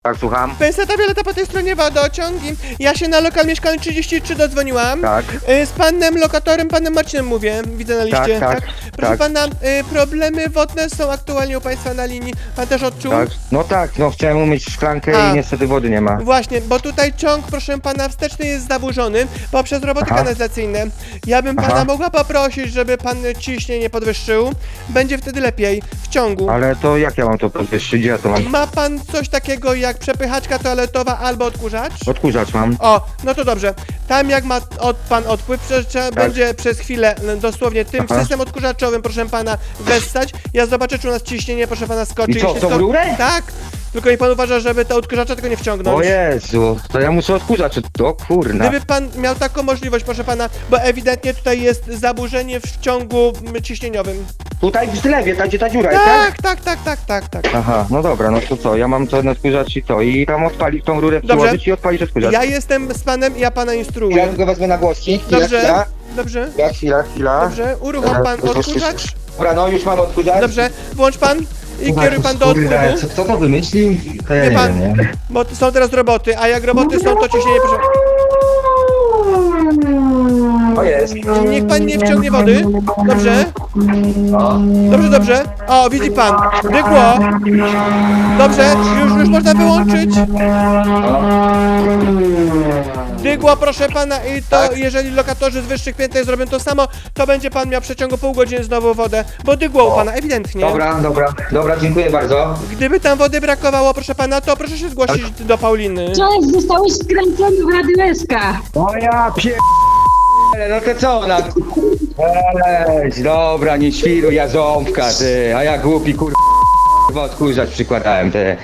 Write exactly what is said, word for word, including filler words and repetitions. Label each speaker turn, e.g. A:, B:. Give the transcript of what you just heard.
A: Tak, słucham?
B: Penseta Violeta po tej stronie wodociągi. Ja się na lokal mieszkalny trzydzieści trzy dodzwoniłam.
A: Tak.
B: Y, Z panem lokatorem, panem Marcinem mówię, widzę na liście.
A: Tak, tak,
B: Proszę
A: tak.
B: pana, y, problemy wodne są aktualnie u państwa na linii. Pan też odczuł?
A: Tak. No tak, no chciałem umyć szklankę
B: A.
A: i niestety wody nie ma.
B: Właśnie, bo tutaj ciąg, proszę pana, wsteczny jest zaburzony poprzez roboty
A: Aha.
B: kanalizacyjne. Ja bym pana
A: Aha.
B: mogła poprosić, żeby pan ciśnienie podwyższył. Będzie wtedy lepiej w ciągu.
A: Ale to jak ja mam to podwyższyć? Gdzie ja to mam?
B: Ma pan coś takiego jak przepychaczka toaletowa albo odkurzacz?
A: Odkurzacz mam.
B: O, no to dobrze. Tam jak ma od, pan odpływ, prze, trzeba będzie przez chwilę m, dosłownie tym
A: Aha.
B: system odkurzaczowym, proszę pana, wessać. Ja zobaczę, czy u nas ciśnienie, proszę pana, skoczy.
A: I co,
B: Jeśli
A: tą
B: sko-
A: rurę?
B: Tak. Tylko niech pan uważa, żeby to odkurzacza tego nie wciągnąć.
A: O Jezu, to ja muszę odkurzacz. O kurna.
B: Gdyby pan miał taką możliwość, proszę pana, bo ewidentnie tutaj jest zaburzenie w ciągu m, ciśnieniowym.
A: Tutaj w zlewie, tam gdzie ta dziura jest, tak?
B: Tak, tak, tak, tak, tak, tak.
A: Aha, no dobra, no to co, ja mam ten odkurzacz i to. I tam odpalić tą rurę,
B: Dobrze.
A: przyłożyć i odpalić odkurzacz.
B: Ja jestem z panem, ja pana
A: Ja
B: instruuję.
A: tylko wezmę na głoski. Chwila,
B: Dobrze,
A: chwila.
B: dobrze,
A: Chwila, chwila, chwila.
B: dobrze. Uruchom pan odkurzacz.
A: Dobra, no już mam odkurzacz.
B: Dobrze, włącz pan i kieruj pan do odpływu.
C: Co, co to wymyślił? To ja
B: Wie
C: nie
B: pan,
C: wiem, nie?
B: bo to są teraz roboty, a jak roboty są, to ciśnienie proszę.
A: O jest.
B: Niech pan nie wciągnie wody. Dobrze. Dobrze, dobrze. O, widzi pan. Dygło. Dobrze, już, już można wyłączyć. Dygło, proszę pana, i to
A: Tak.
B: jeżeli lokatorzy z wyższych pięter zrobią to samo, to będzie pan miał w przeciągu pół godziny znowu wodę, bo dygło u pana, ewidentnie.
A: Dobra, dobra, dobra, dziękuję bardzo.
B: Gdyby tam wody brakowało, proszę pana, to proszę się zgłosić do Pauliny.
D: Cześć, zostałeś skręcony w Radioeska.
A: O ja pier... No to co ona? Weź, dobra, nie świruj, ja ząbka, ty, a ja głupi kur... odkurzacz przykładałem, ty.